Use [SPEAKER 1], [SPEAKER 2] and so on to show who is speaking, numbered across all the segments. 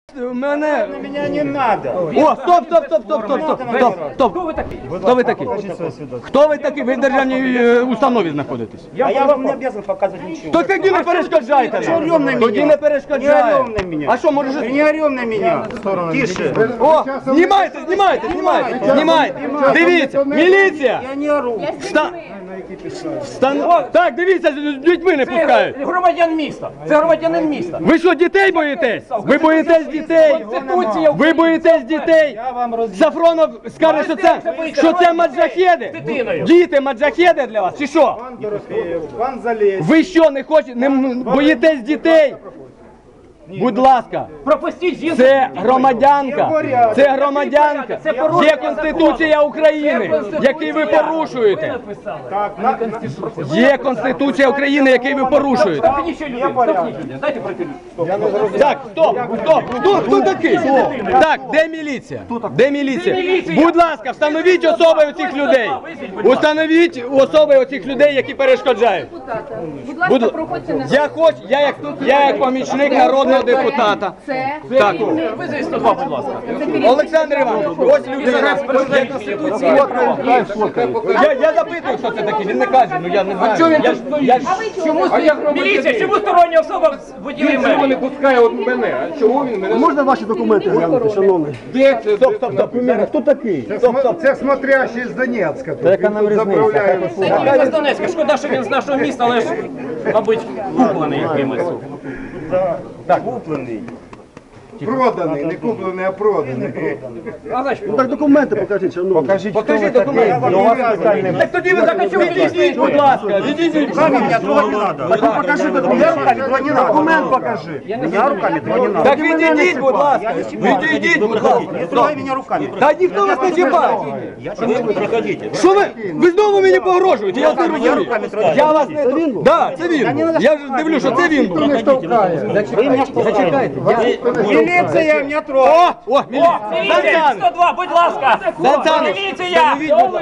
[SPEAKER 1] Мене...
[SPEAKER 2] На меня не надо.
[SPEAKER 1] О, стоп! Хто ви такий? Хто ви такий? Ви в державній установі знаходитесь.
[SPEAKER 2] А я вам не обязан показывать ничего.
[SPEAKER 1] То тоді не перешкоджайте
[SPEAKER 2] Что орем на
[SPEAKER 1] нам. Тоді
[SPEAKER 2] меня?
[SPEAKER 1] не перешкоджайте.
[SPEAKER 2] Не орем на меня.
[SPEAKER 1] А що, може...
[SPEAKER 2] Не орем на меня. Тише.
[SPEAKER 1] О, знімайте. Дивіться, міліція.
[SPEAKER 2] Я не ору.
[SPEAKER 1] Так, дивіться, з дітьми не пускають.
[SPEAKER 3] Громадян міста. Це громадянин міста.
[SPEAKER 1] Ви що, дітей боїтесь? Ви боїтесь дітей? Ви боїтесь дітей? Сафронов скаже, що це маджахеди? Діти маджахеди для вас, чи що?
[SPEAKER 2] Пан Залезь.
[SPEAKER 1] Ви що, не хочете, не боїтесь дітей? Будь ласка,
[SPEAKER 3] Пропустіть жінку.
[SPEAKER 1] це громадянка, є Конституція України, яку ви порушуєте. Є Конституція України, яку ви порушуєте.
[SPEAKER 3] Дайте пройти.
[SPEAKER 1] Так, стоп, хто такий? Так, де міліція? Де міліція? Будь ласка, встановіть особи оцих людей. Установіть особи оцих людей, які перешкоджають.
[SPEAKER 4] Будь ласка, проходьте на...
[SPEAKER 1] Я як помічник народного депутата. Так.
[SPEAKER 3] Визовіть 102, будь ласка.
[SPEAKER 1] Олександр Іванович, ось людина. Я запитую, хто це такий, він не каже, ну я не знаю.
[SPEAKER 3] Міліція, чому стороння особа водіє мене?
[SPEAKER 5] Не пускає от мене. А чого він мене?
[SPEAKER 6] Можна ваші документи глянути, шановний?
[SPEAKER 5] Де це?
[SPEAKER 1] Стоп.
[SPEAKER 6] Хто такий?
[SPEAKER 7] Це смотрящий з Донецька.
[SPEAKER 6] Яка нам різниця?
[SPEAKER 3] Він з Донецька. Шкода, що він з нашого міста, але ж, мабуть, куплений якимось.
[SPEAKER 2] Так, куплений.
[SPEAKER 7] Проданий, не куплений, а проданий.
[SPEAKER 3] А значить,
[SPEAKER 6] Ну так документи покажіть, шановний.
[SPEAKER 1] Покажіть документи. Так тоді ви відійдіть, будь ласка, відійдіть.
[SPEAKER 2] Меня трогать не надо. Покажи документ. Меня руками трогать не надо. Документ покажи. Меня руками трогать не надо.
[SPEAKER 1] Так відійдіть, будь ласка. Відійдіть, будь ласка.
[SPEAKER 2] Не трогай меня руками.
[SPEAKER 1] Та ніхто вас не чіпає. Що ви? Ви знову мені погрожуєте, я не розумію. Я вас не... Да, це він. Я ж дивлюсь, що це він був. Зачекайте.
[SPEAKER 2] Милиция меня трогает.
[SPEAKER 1] О,
[SPEAKER 3] міліція, 102, будь ласка. Міліція!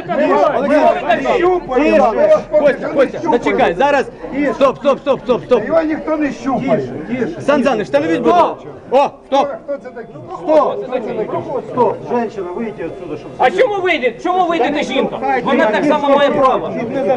[SPEAKER 1] Костя, зачекай, зараз. Стоп.
[SPEAKER 7] Його ніхто не щупає.
[SPEAKER 1] Сан Саныч, встановіть, будь ласка. О, стоп.
[SPEAKER 7] Хто це такий?
[SPEAKER 6] Стоп, женщина, вийдіть отсюда, щоб...
[SPEAKER 3] А чому вийде? Чому вийде жінка? Вона так само має право.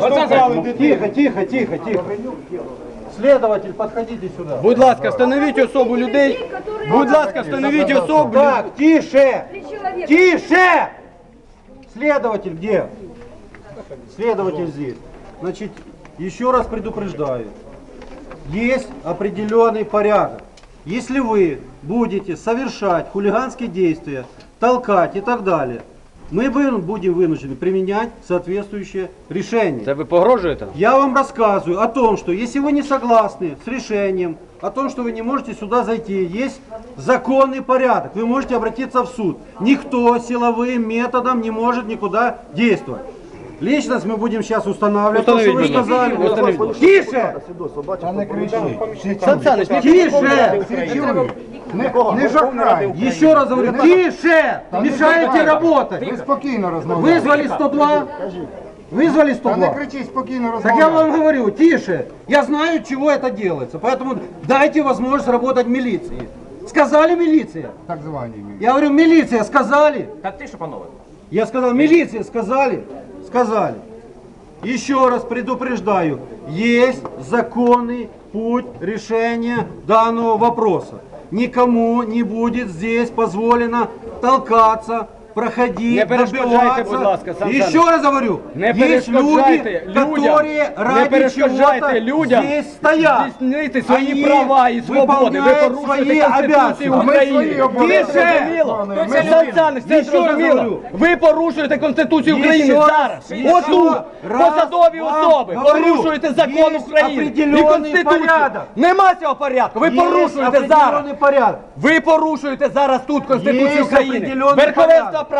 [SPEAKER 6] Тихо. Следователь, подходите сюда.
[SPEAKER 1] Будь ласка, встановіть особу людей. Будь ласка, встановіть особу.
[SPEAKER 6] Так, тише! Тише! Следователь где? Следователь здесь. Значит, еще раз предупреждаю. Есть определенный порядок. Если вы будете совершать хулиганские действия, толкать и так далее, мы будем вынуждены применять соответствующее решение.
[SPEAKER 1] Це ви погрожуєте?
[SPEAKER 6] Я вам рассказываю о том, что если вы не согласны с решением, о том, что вы не можете сюда зайти, есть законный порядок, вы можете обратиться в суд. Никто силовым методом не может никуда действовать. Личность мы будем сейчас устанавливать, то, что вы сказали. Тише!
[SPEAKER 1] Сан Саныч,
[SPEAKER 6] Тише!
[SPEAKER 7] Не жахрай.
[SPEAKER 6] Еще раз говорю, тише! Мешаете работать!
[SPEAKER 7] Ви спокійно розмовляйте.
[SPEAKER 6] Вызвали 102? Вызвали
[SPEAKER 7] Та
[SPEAKER 6] 102?
[SPEAKER 7] не кричіть, спокійно
[SPEAKER 6] Так я
[SPEAKER 7] розмовляйте.
[SPEAKER 6] вам говорю, тише. Я знаю, от чего это делается. Поэтому дайте возможность работать милиции. Сказали милиция?
[SPEAKER 7] Так звані.
[SPEAKER 6] Я говорю, милиция сказали?
[SPEAKER 3] Так тише, панове.
[SPEAKER 6] Я сказал, милиция сказали? Сказали. Еще раз предупреждаю, есть законный путь решения данного вопроса. Никому не будет здесь позволено толкаться, проходить,
[SPEAKER 1] Не перешкоджайте, будь ласка,
[SPEAKER 6] добиваться.
[SPEAKER 1] Сан
[SPEAKER 6] Еще
[SPEAKER 1] Саныч.
[SPEAKER 6] раз говорю,
[SPEAKER 1] Не
[SPEAKER 6] есть люди,
[SPEAKER 1] перешкоджайте
[SPEAKER 6] которые
[SPEAKER 1] не
[SPEAKER 6] ради
[SPEAKER 1] перешкоджайте
[SPEAKER 6] чего-то
[SPEAKER 1] людям
[SPEAKER 6] здесь стоят.
[SPEAKER 1] здійснити свої
[SPEAKER 6] Они
[SPEAKER 1] права і свободи. Ви
[SPEAKER 6] выполняют
[SPEAKER 1] порушуєте
[SPEAKER 6] свои
[SPEAKER 1] Конституцію
[SPEAKER 6] обязанности.
[SPEAKER 1] України.
[SPEAKER 7] обов'язки.
[SPEAKER 1] Це зрозуміло? Сан Саныч, це
[SPEAKER 6] Ще раз
[SPEAKER 1] зрозуміло.
[SPEAKER 6] говорю.
[SPEAKER 1] Ви порушуєте Конституцію України
[SPEAKER 6] Ще раз,
[SPEAKER 1] зараз.
[SPEAKER 6] ще
[SPEAKER 1] Отут
[SPEAKER 6] раз
[SPEAKER 1] посадові
[SPEAKER 6] вам
[SPEAKER 1] особи
[SPEAKER 6] говорю,
[SPEAKER 1] порушуєте закон
[SPEAKER 6] є
[SPEAKER 1] України і
[SPEAKER 6] определений
[SPEAKER 1] Конституцію.
[SPEAKER 6] порядок.
[SPEAKER 1] Нема цього порядку. Ви порушуєте зараз.
[SPEAKER 6] определенный порядок.
[SPEAKER 1] Ви порушуєте зараз тут Конституцію
[SPEAKER 6] Є
[SPEAKER 1] України.
[SPEAKER 6] определений
[SPEAKER 1] Верховенство
[SPEAKER 6] порядок.
[SPEAKER 1] права.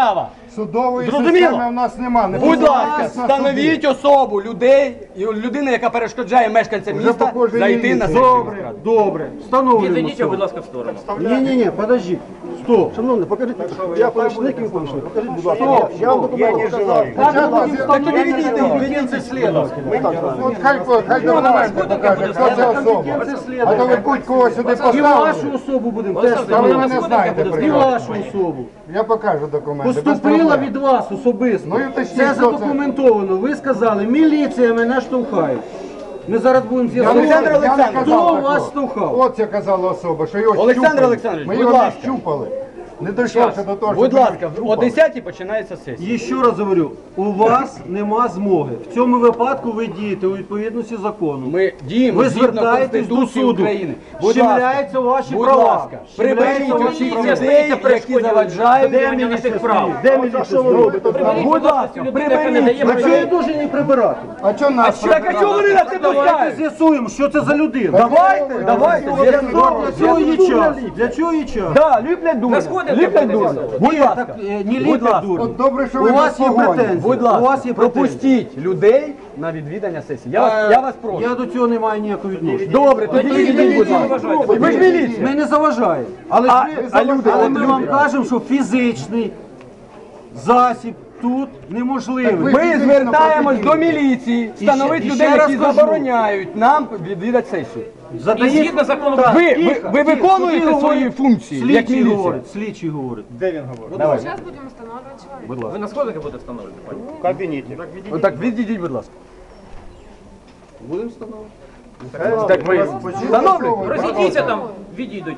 [SPEAKER 7] Судової
[SPEAKER 1] Зрозуміло?
[SPEAKER 7] системи в нас нема. Не
[SPEAKER 1] Будь
[SPEAKER 7] посилайтесь
[SPEAKER 1] ласка,
[SPEAKER 7] на суди.
[SPEAKER 1] встановіть особу людей, і людина, яка перешкоджає мешканцям
[SPEAKER 7] Вже
[SPEAKER 1] міста,
[SPEAKER 7] похоже,
[SPEAKER 1] зайти
[SPEAKER 7] є.
[SPEAKER 1] на сесію.
[SPEAKER 6] Добре, добре. Встановлюємо.
[SPEAKER 3] Відійдіть, будь ласка, в сторону.
[SPEAKER 6] Ні, подождіть. Стоп.
[SPEAKER 8] Шановний, покажіть, я помічник і ви помічник. Покажіть, будь ласка.
[SPEAKER 6] Стоп.
[SPEAKER 8] Я вам документи показав.
[SPEAKER 6] Так тоді відійдіть це слідователь.
[SPEAKER 7] От хай документи покаже, хто це особа. А то ви будь-кого сюди
[SPEAKER 6] І
[SPEAKER 7] поставили.
[SPEAKER 6] вашу особу будемо теж
[SPEAKER 7] А ви
[SPEAKER 6] встановлювати.
[SPEAKER 7] мене знаєте
[SPEAKER 6] І
[SPEAKER 7] прекрасно.
[SPEAKER 6] вашу особу.
[SPEAKER 7] Я покажу документи. без
[SPEAKER 6] Поступила
[SPEAKER 7] проблем.
[SPEAKER 6] від вас особисто.
[SPEAKER 7] Ну, і уточніть,
[SPEAKER 6] Це
[SPEAKER 7] хто це.
[SPEAKER 6] задокументовано. Ви сказали, міліція мене штовхає. Ми зараз будемо
[SPEAKER 1] Олександр
[SPEAKER 6] з'ясовувати,
[SPEAKER 1] Олександрович,
[SPEAKER 6] хто
[SPEAKER 7] такого.
[SPEAKER 6] вас штовхав.
[SPEAKER 7] От це казала особа, що його
[SPEAKER 1] Олександр
[SPEAKER 7] щупали.
[SPEAKER 1] Олександрович,
[SPEAKER 7] Ми
[SPEAKER 1] будь
[SPEAKER 7] його не
[SPEAKER 1] ласка.
[SPEAKER 7] щупали. Не дійшлося до того, що
[SPEAKER 1] Будь
[SPEAKER 7] ми
[SPEAKER 1] ласка,
[SPEAKER 7] його
[SPEAKER 1] о
[SPEAKER 7] щупали.
[SPEAKER 1] 10-й починається сесія.
[SPEAKER 6] І ще раз говорю, у вас нема змоги. В цьому випадку ви дієте у відповідності закону.
[SPEAKER 1] Ми діємо
[SPEAKER 6] Ви
[SPEAKER 1] згідно
[SPEAKER 6] звертаєтесь до
[SPEAKER 1] Конституції
[SPEAKER 6] суду.
[SPEAKER 1] України. Будь
[SPEAKER 6] Щемляються ваші
[SPEAKER 1] будь
[SPEAKER 6] права.
[SPEAKER 1] ласка, приберіть
[SPEAKER 6] Щемляються
[SPEAKER 1] усіх
[SPEAKER 6] ваші
[SPEAKER 1] людей,
[SPEAKER 6] права.
[SPEAKER 1] які заважають.
[SPEAKER 3] Де на цих прав?
[SPEAKER 6] Де міліція?
[SPEAKER 1] Будь ласка, приберіть.
[SPEAKER 6] А чого я дуже не прибирати?
[SPEAKER 7] А що нас
[SPEAKER 1] Так а чого вони на це
[SPEAKER 6] Давайте
[SPEAKER 1] пускають?
[SPEAKER 6] з'ясуємо, що це за людина.
[SPEAKER 1] Давайте.
[SPEAKER 6] Для цього є час. Для цього є час.
[SPEAKER 1] Да, люблять дурня. Люблять дурня. Будь ласка.
[SPEAKER 6] Не ліплять
[SPEAKER 1] ласка.
[SPEAKER 6] дурні.
[SPEAKER 7] От добре, що
[SPEAKER 6] У
[SPEAKER 7] ви
[SPEAKER 6] вас
[SPEAKER 7] без
[SPEAKER 6] є
[SPEAKER 7] погоні.
[SPEAKER 6] претензії.
[SPEAKER 1] Будь
[SPEAKER 6] У вас
[SPEAKER 1] ласка,
[SPEAKER 6] є претензії.
[SPEAKER 1] пропустіть людей на відвідання сесії. Я вас прошу.
[SPEAKER 6] Я до цього не маю ніякого відношення.
[SPEAKER 1] Добре, тоді відійдіть, будь ласка. Ви ж міліція.
[SPEAKER 6] Ми не заважаємо. Але,
[SPEAKER 1] А-
[SPEAKER 6] ж ви-
[SPEAKER 1] а люди-
[SPEAKER 6] але
[SPEAKER 1] от
[SPEAKER 6] ми
[SPEAKER 1] люди.
[SPEAKER 6] вам кажемо, що фізичний засіб тут неможливий.
[SPEAKER 1] Ми звертаємось до міліції, встановити
[SPEAKER 6] і ще
[SPEAKER 1] людей,
[SPEAKER 6] раз
[SPEAKER 1] які
[SPEAKER 6] кажу.
[SPEAKER 1] забороняють нам відвідати сесію.
[SPEAKER 3] І згідно закону
[SPEAKER 6] Так,
[SPEAKER 1] Ви
[SPEAKER 6] тихо,
[SPEAKER 1] виконуєте
[SPEAKER 6] тихо,
[SPEAKER 1] свої
[SPEAKER 6] говорить.
[SPEAKER 1] функції, як
[SPEAKER 6] Слідчий
[SPEAKER 1] міліція?
[SPEAKER 6] говорить, слідчий говорить.
[SPEAKER 4] Сейчас будем останавливать человека.
[SPEAKER 3] ви на сходах будете встановлювати, пані?
[SPEAKER 2] В кабінеті.
[SPEAKER 1] Отак, відійдіть, будь ласка.
[SPEAKER 6] Будемо встановлювати.
[SPEAKER 1] Так ви встановлюєте?
[SPEAKER 3] Розійдіться там, відійдуть.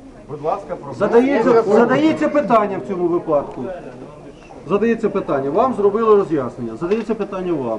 [SPEAKER 6] Задається питання в цьому випадку. Задається питання. Вам зробили роз'яснення. Задається питання вам.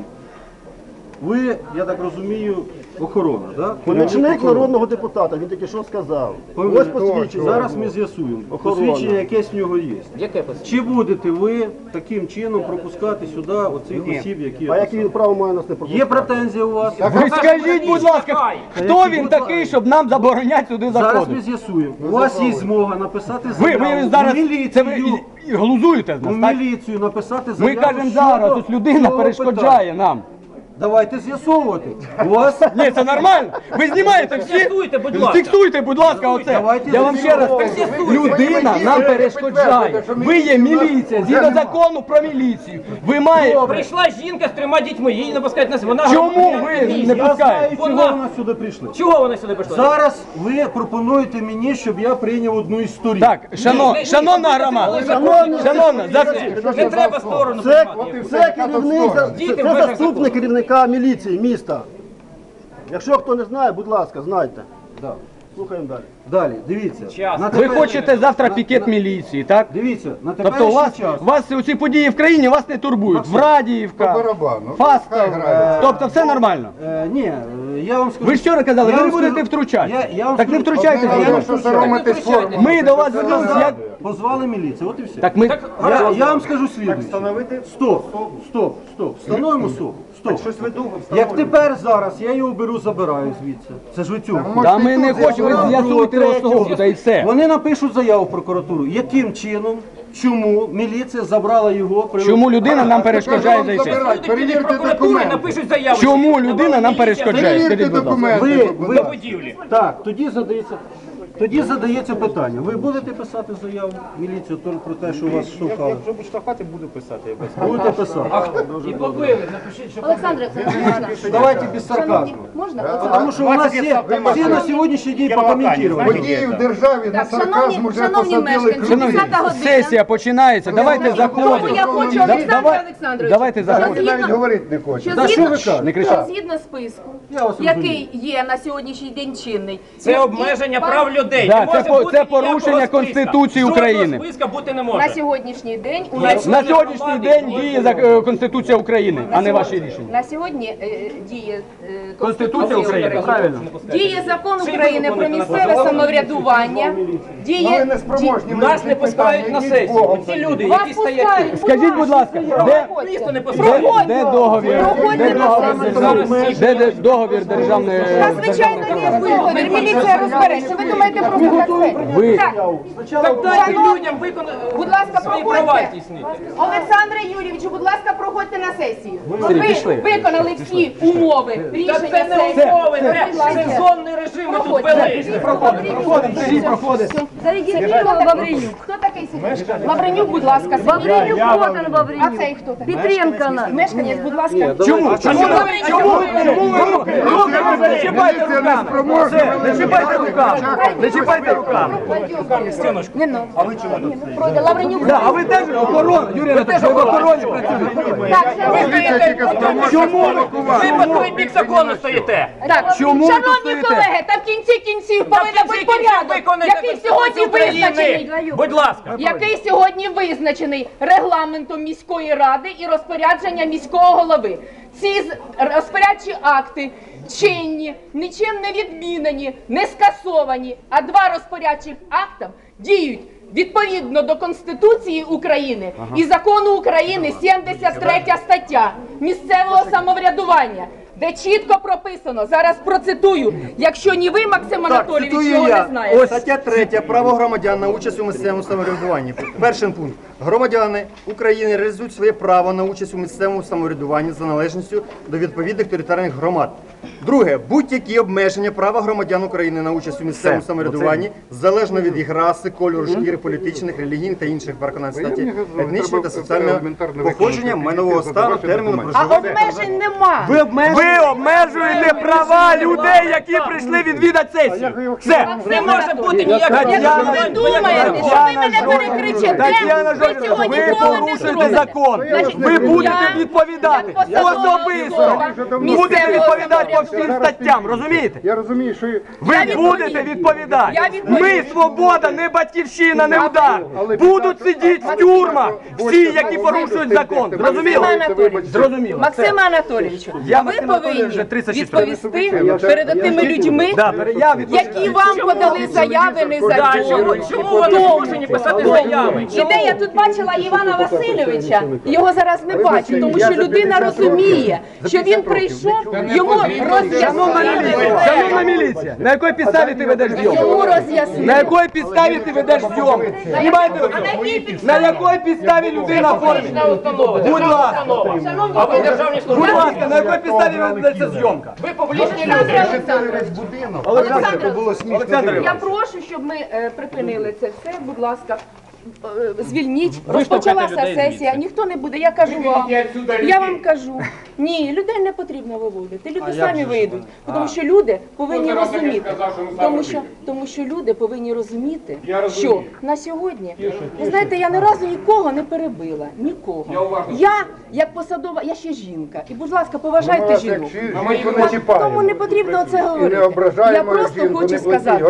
[SPEAKER 6] Ви, я так розумію, охорона, так?
[SPEAKER 8] Помічник народного депутата, він тільки що сказав. Ось посвідчення.
[SPEAKER 6] Зараз ми з'ясуємо. Посвідчення якесь в нього є.
[SPEAKER 3] Яке посвідчення?
[SPEAKER 6] Чи будете ви таким чином пропускати сюди оцих осіб, які...
[SPEAKER 8] А яке він право має нас не пропускати?
[SPEAKER 6] Є претензії у вас?
[SPEAKER 1] Ви скажіть, будь ласка, хто він такий, щоб нам забороняти сюди
[SPEAKER 6] Зараз ми
[SPEAKER 1] заходити?
[SPEAKER 6] з'ясуємо. У вас є змога написати
[SPEAKER 1] Ви
[SPEAKER 6] заяву
[SPEAKER 1] зараз
[SPEAKER 6] в міліцію.
[SPEAKER 1] це ви і глузуєте з
[SPEAKER 6] В
[SPEAKER 1] нас, так?
[SPEAKER 6] міліцію написати
[SPEAKER 1] Ми
[SPEAKER 6] заяву
[SPEAKER 1] кажемо
[SPEAKER 6] щодо
[SPEAKER 1] зараз, ось людина
[SPEAKER 6] цього
[SPEAKER 1] перешкоджає
[SPEAKER 6] питання.
[SPEAKER 1] нам.
[SPEAKER 6] Давайте з'ясовувати. У вас
[SPEAKER 1] Ні, це нормально. Ви знімаєте всі.
[SPEAKER 3] Фіксуйте, будь ласка.
[SPEAKER 1] Фіксуйте, будь ласка, оце.
[SPEAKER 6] Давайте
[SPEAKER 1] Я вам ще раз кажу, людина нам перешкоджає. Ви є міліція, згідно закону про міліцію. Ви маєте...
[SPEAKER 3] Прийшла жінка з 3 дітьми, її не пускають на себе. Вона
[SPEAKER 1] Чому
[SPEAKER 3] громадянка
[SPEAKER 1] ви
[SPEAKER 3] міста.
[SPEAKER 1] не
[SPEAKER 6] я знаю,
[SPEAKER 1] пускаєте?
[SPEAKER 6] чого
[SPEAKER 3] Вона-
[SPEAKER 6] вона сюди прийшли.
[SPEAKER 3] Чого вона сюди прийшла?
[SPEAKER 6] Зараз ви пропонуєте мені, щоб я прийняв одну із сторін.
[SPEAKER 1] Так, шановна громада, шановна,
[SPEAKER 3] Не треба сторону
[SPEAKER 8] Це,
[SPEAKER 3] приймати.
[SPEAKER 8] це керівник,
[SPEAKER 3] Діти
[SPEAKER 8] це
[SPEAKER 3] в межах
[SPEAKER 8] заступник керівника міліції міста. Якщо хто не знає, будь ласка, знайте. Слухаємо далі.
[SPEAKER 6] Далі, дивіться.
[SPEAKER 3] Час.
[SPEAKER 6] На
[SPEAKER 1] ви
[SPEAKER 6] тепер-
[SPEAKER 1] хочете завтра пікет міліції, так?
[SPEAKER 6] Дивіться, на
[SPEAKER 1] Тобто
[SPEAKER 6] теперішній час.
[SPEAKER 1] вас ці події в країні вас не турбують. Врадіївка,
[SPEAKER 7] По барабану.
[SPEAKER 1] Фастов,
[SPEAKER 7] Хай грають.
[SPEAKER 1] тобто все нормально.
[SPEAKER 6] Ні, я вам скажу.
[SPEAKER 1] Ви ж вчора казали,
[SPEAKER 6] Я
[SPEAKER 1] ви не
[SPEAKER 6] вам
[SPEAKER 1] будете
[SPEAKER 6] скажу-
[SPEAKER 1] втручатися.
[SPEAKER 6] Я вам
[SPEAKER 1] Так не
[SPEAKER 6] скажу-
[SPEAKER 1] втручайтеся.
[SPEAKER 7] Одне
[SPEAKER 1] будь
[SPEAKER 7] діло,
[SPEAKER 1] ласка.
[SPEAKER 7] що соромитись форму.
[SPEAKER 1] Ми до вас звернулися, як...
[SPEAKER 6] Позвали міліцію, от і все.
[SPEAKER 1] Так ми...
[SPEAKER 6] Я вам скажу слідуюче. Стоп. Встановимо особу. Стоп. Як тепер зараз, я його беру, забираю звідси. Це ж ви цього.
[SPEAKER 1] Та ми не хочемо, ви з'ясуйте особу, та й все.
[SPEAKER 6] Вони напишуть заяву в прокуратуру. Яким чином, чому міліція забрала його?
[SPEAKER 1] Чому людина нам перешкоджає
[SPEAKER 7] Вам
[SPEAKER 1] зайти?
[SPEAKER 7] забирать, перевірте
[SPEAKER 3] Прокуратури
[SPEAKER 7] документи.
[SPEAKER 3] напишуть заяву.
[SPEAKER 1] Чому людина нам перешкоджає?
[SPEAKER 7] Перевірте
[SPEAKER 1] Скажіть, будь ласка.
[SPEAKER 7] документи.
[SPEAKER 6] Ви,
[SPEAKER 3] До будівлі.
[SPEAKER 6] так, тоді задається питання. Ви будете писати заяву в міліцію про те, що вас штовхали?
[SPEAKER 2] Якщо буду штовхати, буду писати. Я без
[SPEAKER 6] Будете писати.
[SPEAKER 3] І побили, напишіть, що
[SPEAKER 4] Олександр, можна?
[SPEAKER 6] Давайте без сарказму.
[SPEAKER 4] Можна?
[SPEAKER 6] Тому що у нас є всі на сьогоднішній день покоментувати.
[SPEAKER 7] Події в державі на
[SPEAKER 4] Так,
[SPEAKER 7] сарказм уже
[SPEAKER 4] шановні
[SPEAKER 7] посадили
[SPEAKER 4] мешканці,
[SPEAKER 7] ключ.
[SPEAKER 4] 10 година.
[SPEAKER 1] Сесія починається, давайте
[SPEAKER 4] Тому
[SPEAKER 1] заходимо.
[SPEAKER 4] я хочу,
[SPEAKER 1] Да-
[SPEAKER 4] Олександр
[SPEAKER 1] давай-
[SPEAKER 4] Олександрович,
[SPEAKER 1] давайте
[SPEAKER 4] що
[SPEAKER 1] заходимо.
[SPEAKER 7] Ви навіть
[SPEAKER 4] згідно-
[SPEAKER 7] говорити не хочете.
[SPEAKER 4] що
[SPEAKER 6] Та що ви
[SPEAKER 4] згідно-
[SPEAKER 6] кажете?
[SPEAKER 1] Не кричати.
[SPEAKER 4] що згідно списку,
[SPEAKER 6] Я вас
[SPEAKER 4] який є на сьогоднішній день чинний.
[SPEAKER 3] це обмеження прав людей.
[SPEAKER 1] Да,
[SPEAKER 3] Не може
[SPEAKER 1] це по-
[SPEAKER 3] бути
[SPEAKER 1] це
[SPEAKER 3] ніякого
[SPEAKER 1] порушення
[SPEAKER 3] списка.
[SPEAKER 1] Конституції
[SPEAKER 3] Жодного
[SPEAKER 1] України.
[SPEAKER 3] списка бути не
[SPEAKER 4] На
[SPEAKER 3] може.
[SPEAKER 4] сьогоднішній день у
[SPEAKER 3] Якщо
[SPEAKER 1] На
[SPEAKER 3] для
[SPEAKER 1] сьогоднішній
[SPEAKER 3] громади
[SPEAKER 1] день
[SPEAKER 3] може
[SPEAKER 1] діє
[SPEAKER 3] бути.
[SPEAKER 1] Конституція України, а не ваші рішення.
[SPEAKER 4] На сьогодні діє
[SPEAKER 1] Конституція України, правильно.
[SPEAKER 4] Діє закон України про місцеве самоврядування.
[SPEAKER 7] Ну, ви
[SPEAKER 4] Діє
[SPEAKER 7] не спроможні.
[SPEAKER 3] Нас не пускають на сесію. Ці люди,
[SPEAKER 4] вас
[SPEAKER 3] які стоять
[SPEAKER 4] пускають.
[SPEAKER 3] тут.
[SPEAKER 1] Скажіть, будь ласка,
[SPEAKER 3] Місто не
[SPEAKER 1] де
[SPEAKER 3] пускають.
[SPEAKER 1] договір?
[SPEAKER 4] Проходьте
[SPEAKER 1] Де
[SPEAKER 4] на
[SPEAKER 1] договір
[SPEAKER 4] сесію.
[SPEAKER 1] державної? Де договір державної?
[SPEAKER 4] Та звичайно є договір. Міліція розбереться. Ви думаєте, будете проходити. Так,
[SPEAKER 3] Дайте
[SPEAKER 4] шановні,
[SPEAKER 3] людям виконати
[SPEAKER 4] будь ласка,
[SPEAKER 3] свої права
[SPEAKER 4] проходьте.
[SPEAKER 3] здійснити.
[SPEAKER 4] Олександре Юрійовичу, будь ласка, проходьте на сесію.
[SPEAKER 1] Сергій,
[SPEAKER 4] Ви
[SPEAKER 1] пішли.
[SPEAKER 4] виконали всі умови
[SPEAKER 3] Та
[SPEAKER 4] рішення
[SPEAKER 3] це не
[SPEAKER 4] сесії.
[SPEAKER 3] умови, це
[SPEAKER 4] Будь ласка.
[SPEAKER 3] сезонний режим ми тут
[SPEAKER 4] Проходьте.
[SPEAKER 3] вели.
[SPEAKER 1] Проходить.
[SPEAKER 4] Зареєстрував Лавренюк. Хто такий Сергій? Лавренюк, будь ласка, Лавренюк. А цей хто такий?
[SPEAKER 9] Петренко.
[SPEAKER 4] Мешканець, будь ласка.
[SPEAKER 1] Чому? Чому ви руки? Не чіпайте руками. Не чіпайте руками. Не чіпайте руками.
[SPEAKER 4] Не ну. А ви чому тут? Пройде Лавренюк.
[SPEAKER 1] Да, а ви теж охорона, Юрій Анатолійович, ви в охороні працюєте.
[SPEAKER 4] Так,
[SPEAKER 1] Чому
[SPEAKER 3] Ви по той бік закону стоїте.
[SPEAKER 4] Так,
[SPEAKER 1] Чому ви тут
[SPEAKER 4] шановні
[SPEAKER 1] стоїте?
[SPEAKER 4] колеги, та в кінці кінців повинен бути порядок, який сьогодні визначений.
[SPEAKER 3] Будь ласка.
[SPEAKER 4] Який сьогодні визначений регламентом міської ради і розпорядження міського голови. Ці розпорядчі акти чинні, нічим не відмінені, не скасовані, а два розпорядчих акти діють відповідно до Конституції України і Закону України 73 стаття місцевого самоврядування, де чітко прописано, зараз процитую, якщо ні ви, Максим Анатолійович, його не знаєте.
[SPEAKER 8] Стаття 3. Право громадян на участь у місцевому самоврядуванні. Перший пункт. Громадяни України реалізують своє право на участь у місцевому самоврядуванні за належністю до відповідних територіальних громад. Друге. Будь-які обмеження права громадян України на участь у місцевому самоврядуванні, залежно від їх раси, кольору шкіри, політичних, релігійних та інших переконань статі, етнічного та соціального походження, майнового стану, терміну
[SPEAKER 4] А
[SPEAKER 8] проживання.
[SPEAKER 4] обмежень нема.
[SPEAKER 1] Ви обмежуєте права людей, які прийшли відвідати сесію. Все.
[SPEAKER 3] Не може бути ніякого
[SPEAKER 4] Якщо ви думаєте, що ви мене перекричите,
[SPEAKER 1] Тетяна
[SPEAKER 4] ви
[SPEAKER 1] Жоржівна,
[SPEAKER 4] цього
[SPEAKER 1] ви
[SPEAKER 4] ніколи не
[SPEAKER 1] порушуєте
[SPEAKER 4] зробите.
[SPEAKER 1] закон.
[SPEAKER 4] Значить,
[SPEAKER 1] Ви будете
[SPEAKER 4] я,
[SPEAKER 1] відповідати
[SPEAKER 4] як посадова
[SPEAKER 1] особисто.
[SPEAKER 4] особа
[SPEAKER 1] Будете
[SPEAKER 4] місцевого
[SPEAKER 1] відповідати по всім
[SPEAKER 4] самоврядування.
[SPEAKER 1] статтям, розумієте?
[SPEAKER 7] Я розумію, що
[SPEAKER 1] Ви
[SPEAKER 4] Я
[SPEAKER 1] будете
[SPEAKER 4] відповім.
[SPEAKER 1] відповідати.
[SPEAKER 4] Я відповім.
[SPEAKER 1] Ми свобода, не батьківщина, не удар. Будуть сидіти в тюрмах всі, які порушують закон. Зрозуміло?
[SPEAKER 4] Максиме Анатолійовичу,
[SPEAKER 1] Зрозуміло.
[SPEAKER 4] Максиме Анатолійовичу,
[SPEAKER 1] Я
[SPEAKER 4] а ви
[SPEAKER 1] Максим Анатолійович
[SPEAKER 4] повинні
[SPEAKER 1] вже 36
[SPEAKER 4] відповісти перед тими людьми,
[SPEAKER 1] Я відповім.
[SPEAKER 4] які вам подали заяви
[SPEAKER 3] Да,
[SPEAKER 4] незаконно.
[SPEAKER 3] чому вони змушені писати заяви?
[SPEAKER 4] І де я тут бачила Івана Васильовича, його зараз не бачу, тому що людина розуміє, що він прийшов, йому
[SPEAKER 1] Шановна міліція, на якій підставі ти ведеш зйомку? На якій підставі ти ведеш зйомку? Знімайте оце. На якій підставі людина в формі? Будь ласка.
[SPEAKER 3] А ви державні
[SPEAKER 1] Будь
[SPEAKER 3] служби.
[SPEAKER 1] ласка, на якій підставі ведеться зйомка?
[SPEAKER 3] Ви публічні люди.
[SPEAKER 1] Олександр
[SPEAKER 4] Я
[SPEAKER 1] Іванович.
[SPEAKER 4] прошу, щоб ми припинили це все, будь ласка. Звільніть,
[SPEAKER 3] Виштовхайте
[SPEAKER 4] розпочалася
[SPEAKER 3] людей
[SPEAKER 4] сесія,
[SPEAKER 3] звідси.
[SPEAKER 4] ніхто не буде, я кажу вам, я вам кажу, ні, людей не потрібно виводити, люди самі вийдуть, тому що люди повинні розуміти, тому що люди повинні розуміти, що на сьогодні, ви знаєте, я ні разу нікого не перебила, нікого. Я, як посадова, я ще жінка, і, будь ласка, поважайте жінок. Тому не потрібно це говорити. Я просто хочу сказати,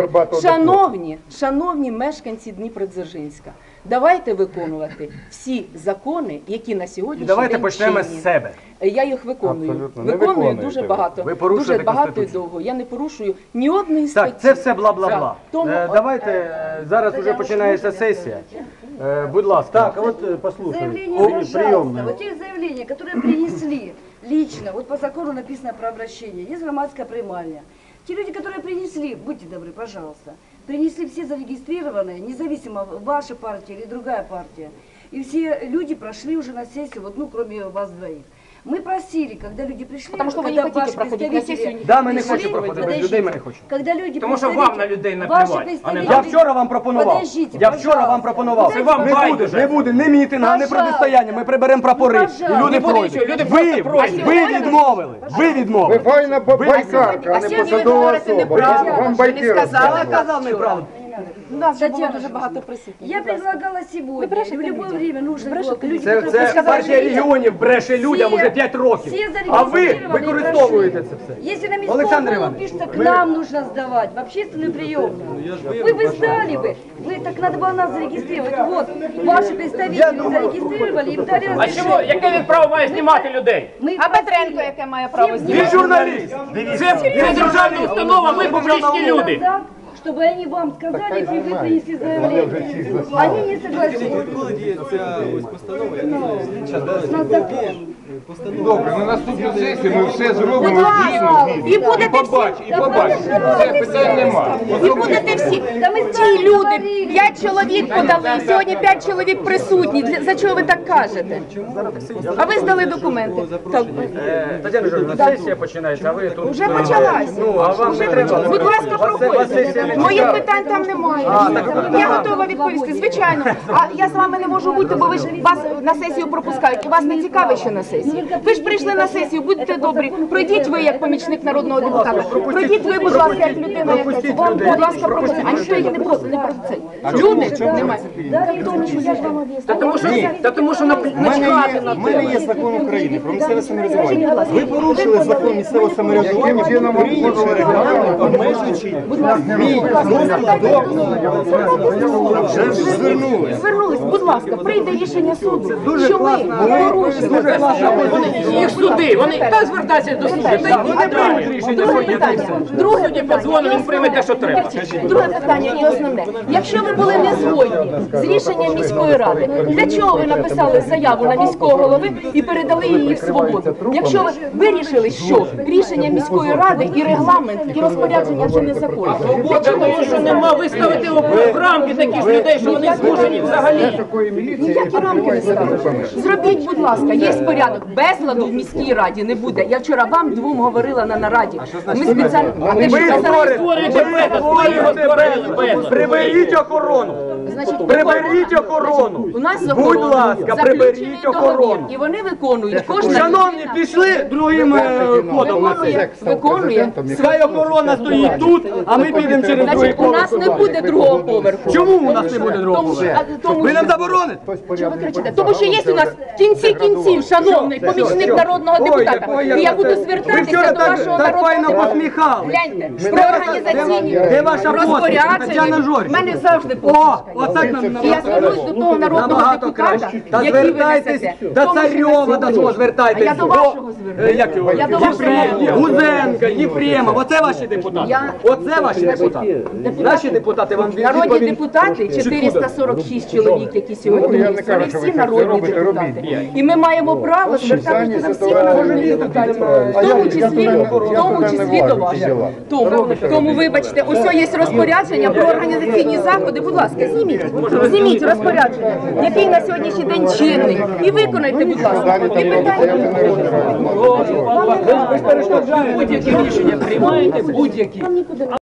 [SPEAKER 4] шановні мешканці Дніпродзержинська, давайте виконувати всі закони, які на сьогоднішній
[SPEAKER 1] Давайте
[SPEAKER 4] день
[SPEAKER 1] почнемо
[SPEAKER 4] чинні.
[SPEAKER 1] з себе.
[SPEAKER 4] Я їх виконую. Виконую дуже багато.
[SPEAKER 1] Ви порушуєте
[SPEAKER 4] Дуже багато і
[SPEAKER 1] Конституцію.
[SPEAKER 4] довго. Я не порушую ні одної статті.
[SPEAKER 1] Так, це все бла-бла-бла.
[SPEAKER 4] Так, тому-
[SPEAKER 1] Давайте, зараз вже починається сесія. Будь ласка.
[SPEAKER 6] Так, а вот послушай.
[SPEAKER 9] Заявление, пожалуйста, вот те заявления, которые принесли лично, вот по закону написано про обращение, есть громадская приймальня. Те люди, которые принесли, будьте добры, пожалуйста, принесли все зарегистрированные, независимо ваша партия или другая партия. И все люди прошли уже на сессию, вот, ну, кроме вас двоих. Мы просили, когда люди пришли,
[SPEAKER 4] Потому что вы
[SPEAKER 9] когда
[SPEAKER 4] не хотите
[SPEAKER 9] ваши
[SPEAKER 4] проходить на
[SPEAKER 9] представители
[SPEAKER 4] сессию.
[SPEAKER 1] Да, мы не
[SPEAKER 9] пришли,
[SPEAKER 1] хотим проходить, без
[SPEAKER 9] подождите,
[SPEAKER 1] людей мы не хотим.
[SPEAKER 9] Когда люди
[SPEAKER 3] Тому що вам на людей
[SPEAKER 9] ваши
[SPEAKER 3] наплювати, а не
[SPEAKER 9] представители-
[SPEAKER 1] Я вчора вам пропонував.
[SPEAKER 9] Подождите,
[SPEAKER 1] Я вчора вам
[SPEAKER 9] пожалуйста.
[SPEAKER 1] пропонував.
[SPEAKER 9] Це вам
[SPEAKER 3] байдуже.
[SPEAKER 1] Не буде ні мітинга, ні
[SPEAKER 9] Пожалуйста.
[SPEAKER 1] протистояння. Ми приберемо прапори.
[SPEAKER 9] Пожалуйста.
[SPEAKER 1] І люди
[SPEAKER 3] Не буде
[SPEAKER 1] пройдуть.
[SPEAKER 3] нічого, люди
[SPEAKER 1] Ви
[SPEAKER 3] просто пройдуть.
[SPEAKER 1] відмовили. Ви
[SPEAKER 7] Ви
[SPEAKER 1] відмовили.
[SPEAKER 7] файна байкарка, а не
[SPEAKER 4] сьогодні ви
[SPEAKER 7] посадова
[SPEAKER 4] говорите
[SPEAKER 7] особа.
[SPEAKER 4] неправду.
[SPEAKER 7] Вам
[SPEAKER 4] Ви
[SPEAKER 7] байки
[SPEAKER 4] не сказали,
[SPEAKER 7] розказують.
[SPEAKER 1] Казав неправду.
[SPEAKER 4] У нас же було
[SPEAKER 9] Татьяна
[SPEAKER 4] дуже
[SPEAKER 9] Жоржівна,
[SPEAKER 4] багато присутніх.
[SPEAKER 9] Я
[SPEAKER 4] Будь ласка.
[SPEAKER 9] предлагала сегодня,
[SPEAKER 4] брешете
[SPEAKER 9] в любое
[SPEAKER 4] людям.
[SPEAKER 9] время нужно
[SPEAKER 4] Брешете
[SPEAKER 9] люди,
[SPEAKER 1] Це
[SPEAKER 9] которые
[SPEAKER 1] партія регіонів бреше людям уже 5 років.
[SPEAKER 9] все
[SPEAKER 1] А ви
[SPEAKER 9] зарегистрированы и
[SPEAKER 1] використовуєте
[SPEAKER 9] прошли.
[SPEAKER 1] це все.
[SPEAKER 9] Если на міському
[SPEAKER 1] Олександр
[SPEAKER 9] голову
[SPEAKER 1] Іванович,
[SPEAKER 9] пишется, к нам нужно сдавать, в общественную приемную. Вы бы сдали бы. Вы так надо было нас зарегистрировать. Вот, ваши представители зарегистрировали, им дали
[SPEAKER 3] А чому?
[SPEAKER 9] разрешение.
[SPEAKER 3] Яке він право має знімати людей?
[SPEAKER 9] Мы
[SPEAKER 4] А Петренко, яке має право
[SPEAKER 1] Він
[SPEAKER 4] знімати?
[SPEAKER 1] журналіст.
[SPEAKER 3] Це державна установа, ми публічні люди.
[SPEAKER 9] чтобы они вам сказали, если вы принесли заявление. Они не согласились. На закон.
[SPEAKER 5] Добре, на наступну сесію ми все зробимо
[SPEAKER 4] Будь ласка,
[SPEAKER 5] дійсно.
[SPEAKER 4] і будете
[SPEAKER 5] побачимо. Все, питань нема.
[SPEAKER 4] І будете всі. Ті люди, 5 чоловік подали, сьогодні 5 чоловік присутні. За чого ви так кажете? А ви здали документи. Так.
[SPEAKER 3] Тетяна Жоржівна, сесія починається, а ви тут...
[SPEAKER 4] Вже почалась.
[SPEAKER 3] А вам не треба.
[SPEAKER 4] Будь ласка, проходьте. Моїх питань там немає. Я готова відповісти, звичайно. А я з вами не можу бути, бо ви ж вас на сесію пропускають. І вас не цікавить, що на сесії. Ви ж прийшли на сесію, будьте добрі. Пройдіть ви як помічник народного депутата. Пройдіть ви, будь ласка, як людина якась. Будь ласка, пропустіть. А ніхто їх не просить, не про це. Люди немає.
[SPEAKER 3] Тому що начхати на
[SPEAKER 8] У мене є закон України про місцеве самоврядування. Ви порушили закон місцевого самоврядування, прийнявши регламент, обмежуючи мій вже ж звернули.
[SPEAKER 4] Звернулись, будь ласка, прийде рішення суду, що ми порушили.
[SPEAKER 3] їх суди, вони та звертаються до суду, та вони приймуть рішення
[SPEAKER 4] Друге
[SPEAKER 3] сьогодні.
[SPEAKER 4] питання. Друге
[SPEAKER 3] Сьогодні
[SPEAKER 4] питання.
[SPEAKER 3] подзвонив, він прийме те, що треба.
[SPEAKER 4] Друге питання і основне. Якщо ви були не згодні з рішенням міської ради, для чого ви написали заяву на міського голови і передали її в свободу? Якщо ви вирішили, що рішення міської ради і регламент, і розпорядження це незаконно. Для чого
[SPEAKER 3] Тому що нема виставити в рамки таких людей, що вони змушені взагалі.
[SPEAKER 4] ніякі рамки не ставили? Зробіть, будь ласка, є порядок. Безладу в міській раді не буде. Я вчора вам двом говорила на нараді. Ми спеціально...
[SPEAKER 1] Ви створюєте приберіть охорону.
[SPEAKER 4] Значить,
[SPEAKER 1] Приберіть охорону.
[SPEAKER 4] У нас
[SPEAKER 1] Будь ласка, приберіть охорону.
[SPEAKER 4] І вони виконують. Кожна
[SPEAKER 1] Шановні,
[SPEAKER 4] людина
[SPEAKER 1] пішли другим ходом на це.
[SPEAKER 4] виконує.
[SPEAKER 1] Хай охорона стоїть тут, а ми підемо через другий
[SPEAKER 4] Значить, у нас
[SPEAKER 1] поверх.
[SPEAKER 4] не буде другого поверху.
[SPEAKER 1] Чому у нас не буде другого
[SPEAKER 4] Тому що,
[SPEAKER 1] поверху?
[SPEAKER 4] тому
[SPEAKER 1] Ви нам
[SPEAKER 4] що,
[SPEAKER 1] забороните?
[SPEAKER 4] що ви кричите? Тому що є у нас в кінці кінців, шановний помічник народного депутата. І я буду
[SPEAKER 1] Ви
[SPEAKER 4] звертатися
[SPEAKER 1] вчора
[SPEAKER 4] до вашого
[SPEAKER 1] так файно
[SPEAKER 4] народного депутата.
[SPEAKER 1] посміхали.
[SPEAKER 4] Гляньте, про організаційні
[SPEAKER 1] Де ваша посмішка, Тетяна
[SPEAKER 4] розпорядження.
[SPEAKER 1] Жоржівна?
[SPEAKER 4] В мене завжди
[SPEAKER 1] О,
[SPEAKER 4] посмішка.
[SPEAKER 1] отак нам
[SPEAKER 4] І я звернусь до того народного
[SPEAKER 1] набагато
[SPEAKER 4] депутата,
[SPEAKER 1] краще. Та
[SPEAKER 4] який ви
[SPEAKER 1] звертайтесь
[SPEAKER 4] несете.
[SPEAKER 1] до Царьова, до цього звертайтесь.
[SPEAKER 4] А я до вашого звернусь.
[SPEAKER 1] Як його?
[SPEAKER 4] Я до вашого
[SPEAKER 1] Єфремов, Гузенка, Єфремов. Оце ваші депутати. Оце ваші депутати. Наші депутати вам
[SPEAKER 4] Народні
[SPEAKER 1] відповідь.
[SPEAKER 4] депутати, 446 чоловік, які сьогодні є, вони всі народні депутати. І ми маємо право звертатися до всіх народних депутатів, в тому числі до вас. Тому, вибачте, ось є розпорядження про організаційні заходи. Будь ласка, зніміть розпорядження, який на сьогоднішній день чинний. І виконайте, будь ласка. І питання.
[SPEAKER 3] Будь-які рішення приймаєте, будь-які.